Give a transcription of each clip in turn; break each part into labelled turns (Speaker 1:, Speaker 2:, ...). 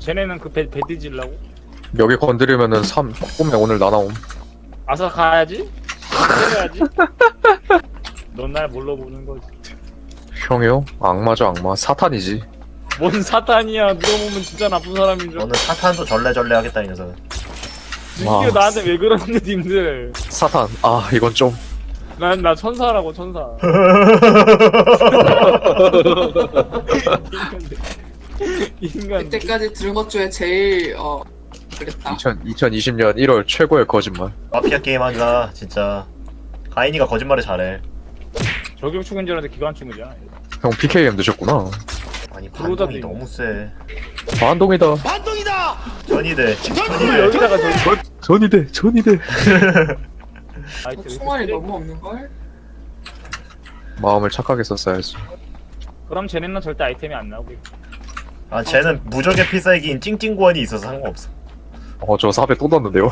Speaker 1: 쟤네는 그 배 뒤질라고?
Speaker 2: 여기 건드리면은 3 꿈에 오늘 나나옴.
Speaker 1: 아서 가야지? 때려야지? 넌 날 뭘로 보는 거지?
Speaker 2: 형이요? 악마죠 악마. 사탄이지.
Speaker 1: 뭔 사탄이야. 누가 보면 진짜 나쁜 사람인 줄.
Speaker 3: 너는 사탄도 절레절레 하겠다 이 녀석은.
Speaker 1: 이게 나한테 왜 그러는데 님들.
Speaker 2: 사탄. 아 이건 좀.
Speaker 1: 나 천사라고 천사. 인간.
Speaker 4: 이때까지 들은 것 중에 제일 그랬다.
Speaker 2: 2020년 1월 최고의 거짓말.
Speaker 3: 마피아 게임 하자 진짜. 가인이가 거짓말을 잘해.
Speaker 1: 저격충인 줄 알았는데 기관충이잖아.
Speaker 2: 형 PKM 드셨구나.
Speaker 3: 아니
Speaker 1: 그러다
Speaker 3: 반동이 너무 세.
Speaker 2: 반동이다.
Speaker 3: 전이대.
Speaker 1: 여기다가
Speaker 2: 전이대. 전이대.
Speaker 4: 총알이 너무 없는걸?
Speaker 2: 마음을 착하게 썼어야지.
Speaker 1: 그럼 쟤네는 절대 아이템이 안 나오고.
Speaker 3: 아 쟤는 무적의 필살기인 찡찡구원이 있어서 상관없어.
Speaker 2: 저 4배 또 넣었는데요.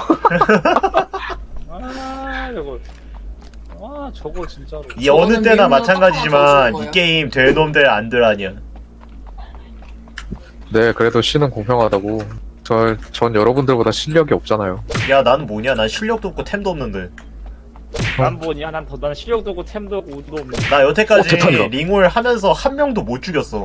Speaker 1: 아 저거. 아 저거 진짜로.
Speaker 3: 이 어느 때나
Speaker 4: 미국으로
Speaker 3: 마찬가지지만
Speaker 4: 딱 하나
Speaker 3: 이 게임 될 놈들 안들 아니야.
Speaker 2: 네 그래도 신은 공평하다고. 전 여러분들보다 실력이 없잖아요.
Speaker 3: 야 나는 뭐냐? 난 실력도 없고 템도 없는데.
Speaker 1: 난 뭐냐? 난 실력도 없고 템도 없고 우도 없는.
Speaker 3: 나 여태까지
Speaker 2: 대탄이다.
Speaker 3: 링올 하면서 한 명도 못 죽였어.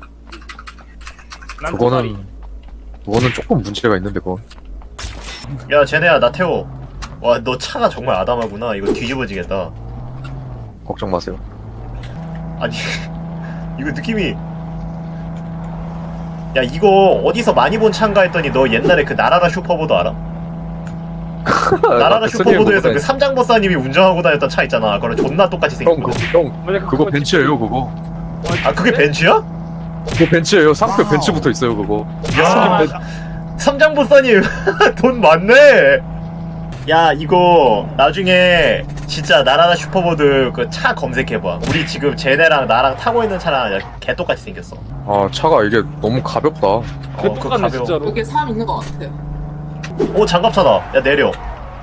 Speaker 1: 난 도다리.
Speaker 2: 그거는 조금 문제가 있는데 그건.
Speaker 3: 야 쟤네야 나 태워. 와 너 차가 정말 아담하구나. 이거 뒤집어지겠다.
Speaker 2: 걱정 마세요.
Speaker 3: 아니 이거 느낌이. 야 이거 어디서 많이 본 차인가 했더니 너 옛날에 그 나라라 슈퍼보드 알아? 나라라 슈퍼보드에서 그 삼장버사님이 운전하고 다녔던 차 있잖아. 그거랑 존나 똑같이 생긴 거.
Speaker 2: 형 그거 벤츠예요 그거.
Speaker 3: 아 그게 벤츠야?
Speaker 2: 그거 벤츠예요. 상표 벤츠 붙어 있어요 그거.
Speaker 3: 야 삼장버사님 돈 많네. 야 이거 나중에 진짜 나라라 슈퍼보드 그 차 검색해봐. 우리 지금 쟤네랑 나랑 타고 있는 차랑 개 똑같이 생겼어.
Speaker 2: 아 차가 이게 너무 가볍다.
Speaker 1: 그
Speaker 3: 그거
Speaker 1: 똑같네
Speaker 3: 가벼워.
Speaker 1: 진짜로.
Speaker 4: 여기 사람 있는 것 같아.
Speaker 3: 오 장갑차다. 야 내려.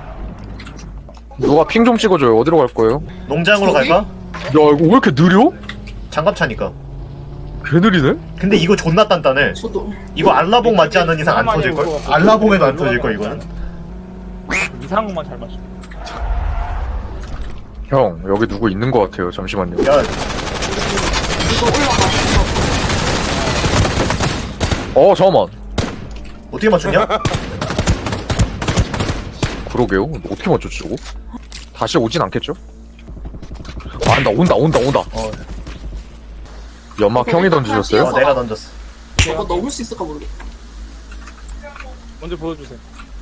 Speaker 2: 누가 핑 좀 찍어줘요. 어디로 갈 거예요?
Speaker 3: 농장으로
Speaker 4: 저기?
Speaker 3: 갈까?
Speaker 2: 야 이거 왜 이렇게 느려?
Speaker 3: 장갑차니까.
Speaker 2: 개 느리네?
Speaker 3: 근데 이거 존나 단단해.
Speaker 4: 저도
Speaker 3: 이거 알라봉 맞지 않는 이상 안 터질걸? 알라봉에도 안 터질걸 이거는?
Speaker 1: 이상한 것만 잘 맞춰.
Speaker 2: 형 여기 누구 있는 것 같아요. 잠시만요.
Speaker 3: 야
Speaker 4: 이거 올라가서
Speaker 2: 잠깐만.
Speaker 3: 어떻게 맞췄냐?
Speaker 2: 그러게요. 어떻게 맞췄지 저거? 다시 오진 않겠죠? 아 온다.
Speaker 3: 어,
Speaker 2: 연막 형이 던지셨어요?
Speaker 3: 내가 던졌어.
Speaker 4: 저거 넘을 수 있을까 모르겠다.
Speaker 1: 먼저 보여주세요.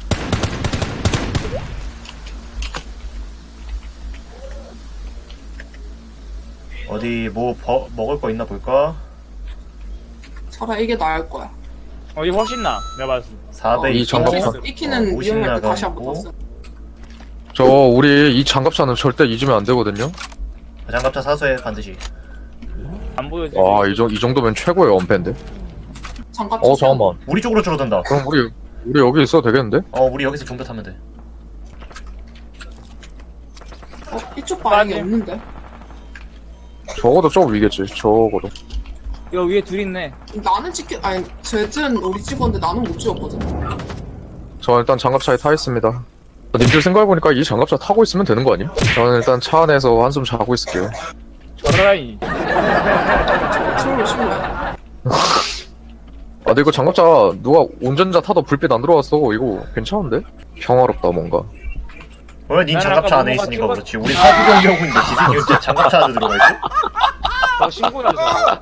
Speaker 3: 어디 뭐 먹을 거 있나 볼까?
Speaker 4: 차라리 이게 나을 거야.
Speaker 1: 이게 훨씬 나. 내가 봤을 때.
Speaker 3: 4배
Speaker 2: 이 장갑차.
Speaker 4: 익히는
Speaker 3: 50
Speaker 4: 위험할 때 다시
Speaker 3: 나가고.
Speaker 4: 한번 봤어.
Speaker 2: 우리 이 장갑차는 절대 잊으면 안 되거든요.
Speaker 3: 장갑차 사수해 반드시.
Speaker 1: 안 보여지.
Speaker 2: 이 정도면 최고의 엄폐인데.
Speaker 4: 잠깐.
Speaker 2: 잠깐만.
Speaker 3: 우리 쪽으로 줄어든다.
Speaker 2: 그럼 우리 여기 있어도 되겠는데?
Speaker 3: 우리 여기서 종교 타면 돼.
Speaker 4: 이쪽 방향이
Speaker 1: 빠짐.
Speaker 4: 없는데.
Speaker 2: 적어도 좀 위겠지. 적어도.
Speaker 1: 이거 위에 둘 있네.
Speaker 4: 나는 아니 쟤는 우리 찍었는데 나는 못 찍었거든.
Speaker 2: 저 일단 장갑차에 타 있습니다. 님들 생각해보니까 이 장갑차 타고 있으면 되는 거 아님? 저는 일단 차 안에서 한숨 자고 있을게요.
Speaker 1: 저라이.
Speaker 4: 트롤로 심해.
Speaker 2: 근데 이거 장갑차 누가 운전자 타도 불빛 안 들어왔어. 이거 괜찮은데? 평화롭다 뭔가.
Speaker 3: 왜 닌
Speaker 1: 난
Speaker 3: 장갑차
Speaker 1: 아까
Speaker 3: 안에
Speaker 1: 뭐가
Speaker 3: 있으니까
Speaker 1: 찍었-
Speaker 3: 그렇지. 우리 사주 경기하고있는데 지승이 어째 장갑차 안에 들어가 있지?
Speaker 1: 너 신고해야죠.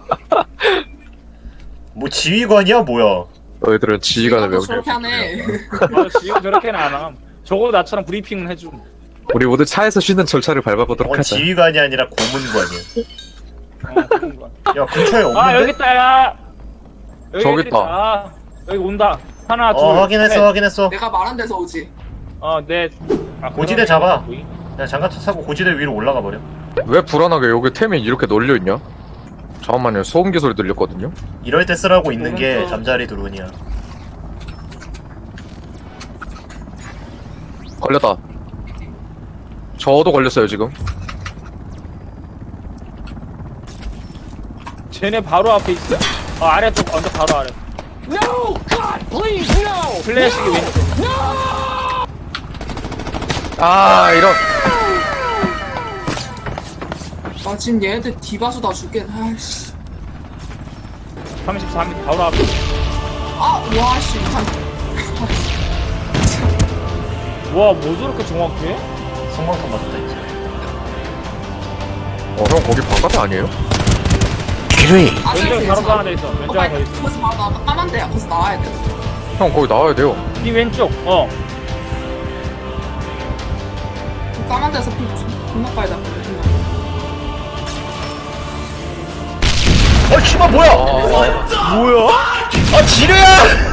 Speaker 3: 뭐 지휘관이야 뭐야?
Speaker 2: 너희들은 지휘관을
Speaker 4: 이것도
Speaker 2: 외우게.
Speaker 4: 저렇게 하네.
Speaker 1: 지금 저렇게는 안 함. 적어도 나처럼 브리핑은 해줌.
Speaker 2: 우리 모두 차에서 쉬는 절차를 밟아보도록
Speaker 3: 어,
Speaker 2: 하자.
Speaker 3: 지휘관이 아니라 고문관이야.
Speaker 1: 그런 거야.
Speaker 3: 야 근처에 없는데?
Speaker 1: 아 여기 있다 야.
Speaker 2: 저기
Speaker 1: 애들
Speaker 2: 있다.
Speaker 1: 아, 여기 온다. 하나 둘.
Speaker 3: 확인했어
Speaker 1: 셋.
Speaker 3: 확인했어.
Speaker 4: 내가 말한 데서 오지.
Speaker 1: 넷.
Speaker 3: 고지대 잡아. 야 장갑차 타고 고지대 위로 올라가 버려.
Speaker 2: 왜 불안하게 여기 템이 이렇게 널려있냐? 잠깐만요. 소음기 소리 들렸거든요?
Speaker 3: 이럴 때 쓰라고 있는 게 잠자리 드론이야.
Speaker 2: 걸렸다. 저도 걸렸어요 지금.
Speaker 1: 쟤네 바로 앞에 있어. 아래 쪽 언덕 바로 아래. No God 플래시기 왼쪽.
Speaker 2: 아 이런.
Speaker 4: 아 지금 얘네들 디바수 다 죽겠. 아씨.
Speaker 1: 33m 바로 앞에.
Speaker 4: 와씨
Speaker 1: 와, 뭐 저렇게 정확해?
Speaker 3: 성광탄 맞았다 이제.
Speaker 2: 형 거기 바깥에 아니에요?
Speaker 1: 왼쪽에 바로 하나 더 있어. 왼쪽에 하나 더 있어.
Speaker 4: 거기서 바로 나와. 까만 데야. 거기서 나와야 돼.
Speaker 2: 형 거기 나와야 돼요.
Speaker 1: 네 왼쪽.
Speaker 4: 그 까만 데서 피 존나 빨리 나.
Speaker 3: 씨발 뭐야?
Speaker 1: 뭐야?
Speaker 3: 아 지뢰야!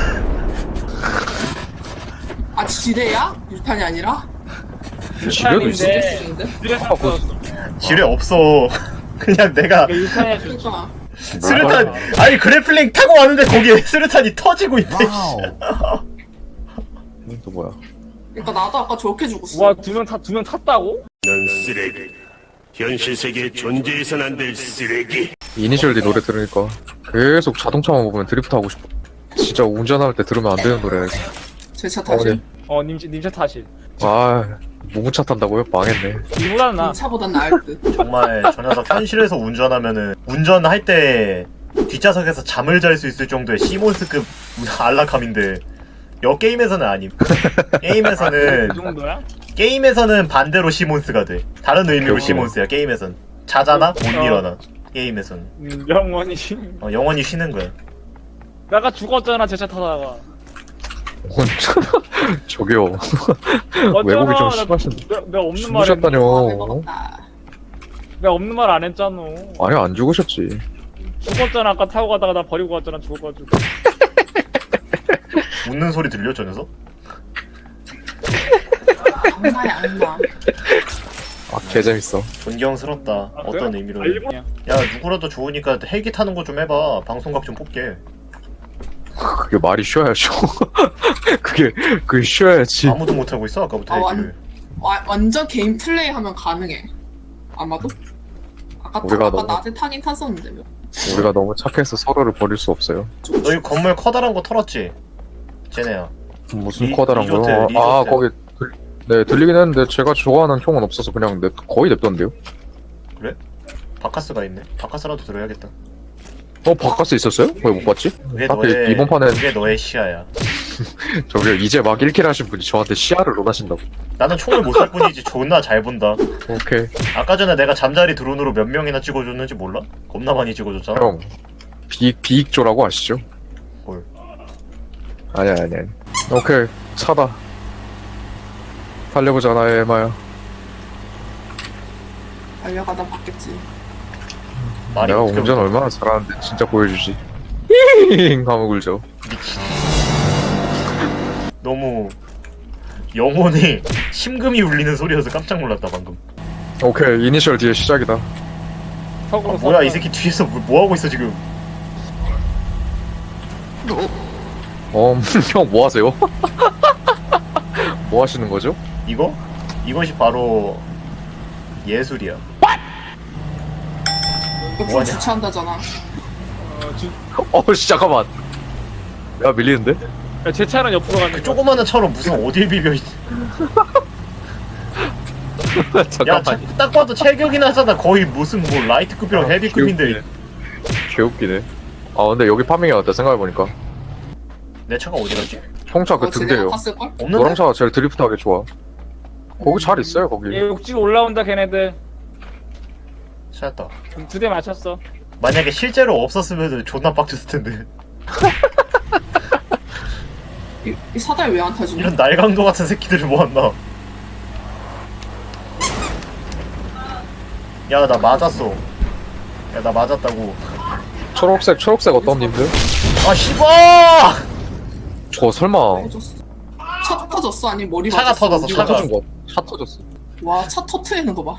Speaker 4: 아 지뢰야? 유탄이 아니라?
Speaker 2: 지뢰도 있어.
Speaker 1: 유탄인데 지뢰 샀어.
Speaker 3: 지뢰 없어. 그냥 내가
Speaker 1: 유탄에 줄.
Speaker 4: 그러니까
Speaker 3: 스르탄 아니 그래플링 타고 왔는데 거기에 스르탄이 터지고 있네.
Speaker 2: 또 뭐야?
Speaker 4: 그러니까 나도 아까 저렇게 죽었어.
Speaker 1: 와, 두 명 탔다고?
Speaker 5: 넌 쓰레기. 현실 세계에 존재해선 안 될 쓰레기.
Speaker 2: 이니셜 D 노래 들으니까 계속 자동차만 보면 드리프트 하고 싶어. 진짜 운전할 때 들으면 안 되는 노래야.
Speaker 4: 제 차 다시.
Speaker 1: 님차 타실.
Speaker 2: 아 무궁차 탄다고요? 망했네.
Speaker 1: 이보다는 나.
Speaker 4: 이 차보단 나을 듯.
Speaker 3: 정말 저 녀석 현실에서 운전하면은 운전할 때 뒷좌석에서 잠을 잘 수 있을 정도의 시몬스급 안락함인데 여 게임에서는 아님. 게임에서는
Speaker 1: 그 정도야?
Speaker 3: 게임에서는 반대로 시몬스가 돼. 다른 의미로
Speaker 2: 그렇구나.
Speaker 3: 시몬스야. 게임에선 자잖아 못 일어나. 게임에선
Speaker 1: 영원히.
Speaker 3: 영원히 쉬는 거야.
Speaker 1: 내가 죽었잖아, 제 차 타다가.
Speaker 2: 저기요.
Speaker 1: 어쩌나,
Speaker 2: 외국이 좀
Speaker 1: 나-
Speaker 2: 심하신.
Speaker 1: 내가 없는 말
Speaker 2: 죽으셨다뇨.
Speaker 4: 먹었다.
Speaker 1: 내가 없는 말 안 했잖아.
Speaker 2: 아니 안 죽으셨지.
Speaker 1: 죽었잖아, 아까 타고 가다가 나 버리고 갔잖아, 죽어가지고.
Speaker 3: 웃는 소리 들려 저 녀석?
Speaker 4: 아무 말이 안 나.
Speaker 2: 아 개재밌어.
Speaker 3: 존경스럽다.
Speaker 1: 아,
Speaker 3: 어떤
Speaker 1: 그래?
Speaker 3: 의미로?
Speaker 1: 알고.
Speaker 3: 야 누구라도 좋으니까 헬기 타는 거 좀 해봐. 방송각 좀 뽑게.
Speaker 2: 그게 말이 쉬어야죠. 그게 쉬어야지.
Speaker 3: 아무도 못 하고 있어 아까부터 헬기를.
Speaker 4: 완전 개인 플레이 하면 가능해. 아마도?
Speaker 2: 우리가
Speaker 4: 아까
Speaker 2: 너무-
Speaker 4: 낮에 타긴 탔었는데. 뭐.
Speaker 2: 우리가 너무 착해서 서로를 버릴 수 없어요.
Speaker 3: 너희 건물 커다란 거 털었지? 쟤네야.
Speaker 2: 무슨 커다란
Speaker 3: 리조트,
Speaker 2: 거요?
Speaker 3: 리조트.
Speaker 2: 아 거기 네 들리긴 했는데 제가 좋아하는 총은 없어서 그냥 거의 냅뒀는데요.
Speaker 3: 그래? 바카스가 있네. 바카스라도 들어야겠다.
Speaker 2: 바카스 있었어요? 왜 못 봤지?
Speaker 3: 그게
Speaker 2: 하필
Speaker 3: 너의
Speaker 2: 이번 판에
Speaker 3: 그게 너의 시야야.
Speaker 2: 저기 이제 막 1킬 하신 분이 저한테 시야를 논하신다고.
Speaker 3: 나는 총을 못 쏠 뿐이지 존나 잘 본다.
Speaker 2: 오케이
Speaker 3: 아까 전에 내가 잠자리 드론으로 몇 명이나 찍어줬는지 몰라? 겁나 많이 찍어줬잖아.
Speaker 2: 형 비익조라고 아시죠?
Speaker 3: 뭘?
Speaker 2: 아니야. 오케이 차다. 달려보자 나의 에마야.
Speaker 4: 달려가다 봤겠지.
Speaker 3: 말이
Speaker 2: 내가
Speaker 3: 어떻게
Speaker 2: 운전
Speaker 3: 보여?
Speaker 2: 얼마나 잘하는데 진짜 보여주지. 힝 하면 굴죠.
Speaker 3: 너무 영혼에 심금이 울리는 소리여서 깜짝 놀랐다 방금.
Speaker 2: 오케이 이니셜 뒤에 시작이다.
Speaker 1: 턱으로
Speaker 3: 뭐야
Speaker 1: 섰다.
Speaker 3: 이 새끼 뒤에서 뭐 하고 있어 지금?
Speaker 2: 형 뭐 하세요? 뭐 하시는 거죠?
Speaker 3: 이거? 이것이 바로 예술이야.
Speaker 4: 옆으로
Speaker 3: 뭐하냐?
Speaker 4: 주차한다잖아.
Speaker 2: 잠깐만. 야 밀리는데?
Speaker 1: 야, 제 차는 옆으로 가는
Speaker 3: 그 조그마한 차로 무슨 어딜 비벼? 야,
Speaker 2: 잠깐만.
Speaker 3: 딱 봐도 체격이나 하잖아. 거의 무슨 뭐 라이트급이랑 헤비급인데.
Speaker 2: 개웃기네. 아 근데 여기 파밍이 어때 생각해보니까
Speaker 3: 내 차가 어디 갔지?
Speaker 2: 형차 그
Speaker 4: 쟤네가
Speaker 2: 등대요.
Speaker 4: 탔을걸?
Speaker 3: 없는데?
Speaker 2: 노랑 차가 제일 드리프트하기 좋아. 거기 잘 있어요 거기.
Speaker 1: 얘 욕지가 올라온다, 걔네들.
Speaker 3: 찾았다.
Speaker 1: 2대 맞췄어.
Speaker 3: 만약에 실제로 없었으면 존나 빡쳤을 텐데.
Speaker 4: 이 사다리 왜 안 타지?
Speaker 3: 이런 날강도 같은 새끼들을 모았나? 야, 나 맞았어. 야, 나 맞았다고.
Speaker 2: 초록색 어떤 님들?
Speaker 3: 아, 씨발!
Speaker 2: 저 설마
Speaker 4: 터졌어. 차 터졌어? 아니 머리
Speaker 3: 차가
Speaker 4: 맞았어?
Speaker 3: 터졌어,
Speaker 4: 어디
Speaker 2: 차
Speaker 3: 차가.
Speaker 2: 터진 거? 차 터졌어.
Speaker 4: 와, 차 터트리는 거 봐.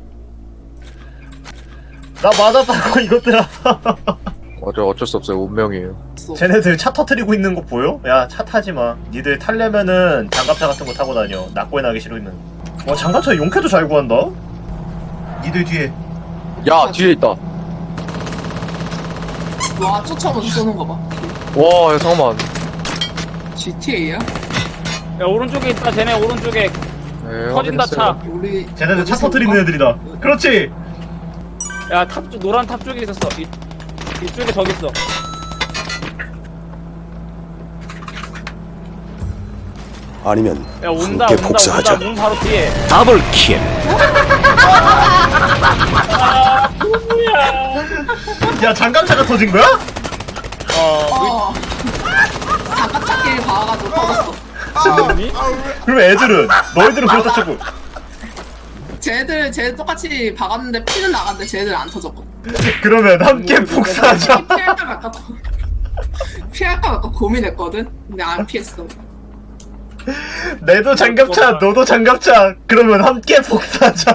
Speaker 3: 나 맞았다고, 이것들아.
Speaker 2: 어쩔 수 없어요 운명이에요.
Speaker 3: 쟤네들 차 터트리고 있는 거 보여? 야, 차 타지 마. 니들 타려면은 장갑차 같은 거 타고 다녀. 낙고에 나기 싫으면. 와, 장갑차 용케도 잘 구한다? 니들 뒤에.
Speaker 2: 야 뒤에 있다.
Speaker 4: 와, 쫓아오면서 쏘는 거 봐.
Speaker 2: 와 야, 잠깐만.
Speaker 4: GTA야?
Speaker 1: 야 오른쪽에 있다 쟤네 오른쪽에
Speaker 2: 네,
Speaker 1: 터진다
Speaker 2: 확인했어요.
Speaker 4: 우리
Speaker 3: 쟤네들 차
Speaker 4: 어디서
Speaker 3: 터트리는
Speaker 4: 봐?
Speaker 3: 애들이다. 그렇지.
Speaker 1: 야 탑 쪽 노란 탑 쪽에 있었어 이쪽에 저기 있어
Speaker 6: 아니면
Speaker 1: 야 온다
Speaker 6: 함께
Speaker 1: 온다
Speaker 6: 복사하자.
Speaker 1: 온다 문 바로 뒤에
Speaker 6: 더블킬.
Speaker 3: 야 장갑차가 터진 거야?
Speaker 4: 어. 장갑차끼리 박아가지고 터졌어.
Speaker 1: 뭐니?
Speaker 3: 그럼 애들은 너희들은 그렇다 쳐고
Speaker 4: 쟤들 똑같이 박았는데 피는 나갔는데 쟤들 안 터졌거든.
Speaker 3: 그러면 함께 복사하자.
Speaker 4: 피할까 말까 피할까 말까 고민했거든. 근데 안 피했어.
Speaker 3: 내도 장갑차, 너도 장갑차. 그러면 함께 복사하자.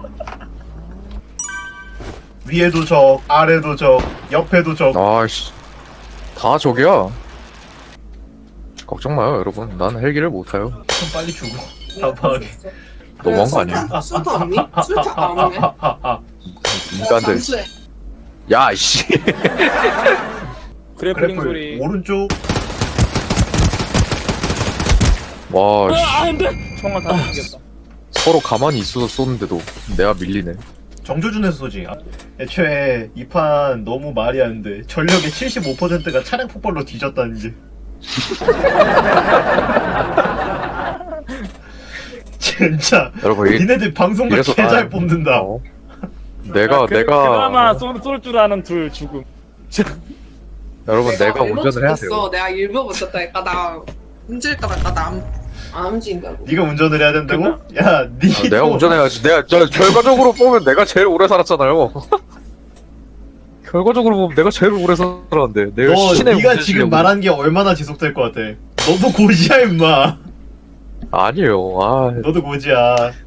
Speaker 3: 위에도 적, 아래도 적, 옆에도 적.
Speaker 2: 아이씨. 다 저기야. 걱정 마요, 여러분. 난 헬기를 못 타요.
Speaker 3: 좀 빨리 죽어. 답답하게.
Speaker 2: 너무한 거 아니에요?
Speaker 4: 술타 없니? 술타 안 오네.
Speaker 2: 인간들.
Speaker 4: 잠수해.
Speaker 2: 야, 이씨.
Speaker 1: 그래플링 소리
Speaker 3: 오른쪽.
Speaker 2: 와, 씨.
Speaker 1: 안돼 총알 다 생겼다
Speaker 2: 서로 가만히 있어서 쏘는데도 내가 밀리네.
Speaker 3: 정조준에서 쏘지. 애초에 이 판 너무 말이 안 돼. 전력의 75%가 차량 폭발로 뒤졌다는 게. 진짜.
Speaker 2: 여러분,
Speaker 3: 니네들 방송도
Speaker 2: 이래서
Speaker 3: 개잘 뽑는다.
Speaker 2: 어? 내가
Speaker 1: 그나마 쏠 줄 아는 둘 죽음
Speaker 2: 여러분 내가
Speaker 4: 일본
Speaker 2: 운전을 해야
Speaker 4: 죽겠어.
Speaker 2: 돼요.
Speaker 4: 내가 일부 붙였다니까 나 움직일까 말까 안 움직인다고.
Speaker 3: 네가 운전을 해야 된다고? 야, 니.
Speaker 2: 내가 운전해야지. 내가 결과적으로 보면 내가 제일 오래 살았잖아요. 결과적으로 보면 내가 제일 오래 살았는데 내가
Speaker 3: 너,
Speaker 2: 신의
Speaker 3: 네가
Speaker 2: 운전
Speaker 3: 지금
Speaker 2: 실력으로.
Speaker 3: 말한 게 얼마나 지속될 것 같아? 너도 고지야, 임마.
Speaker 2: 아니에요. 아,
Speaker 3: 너도 고지야.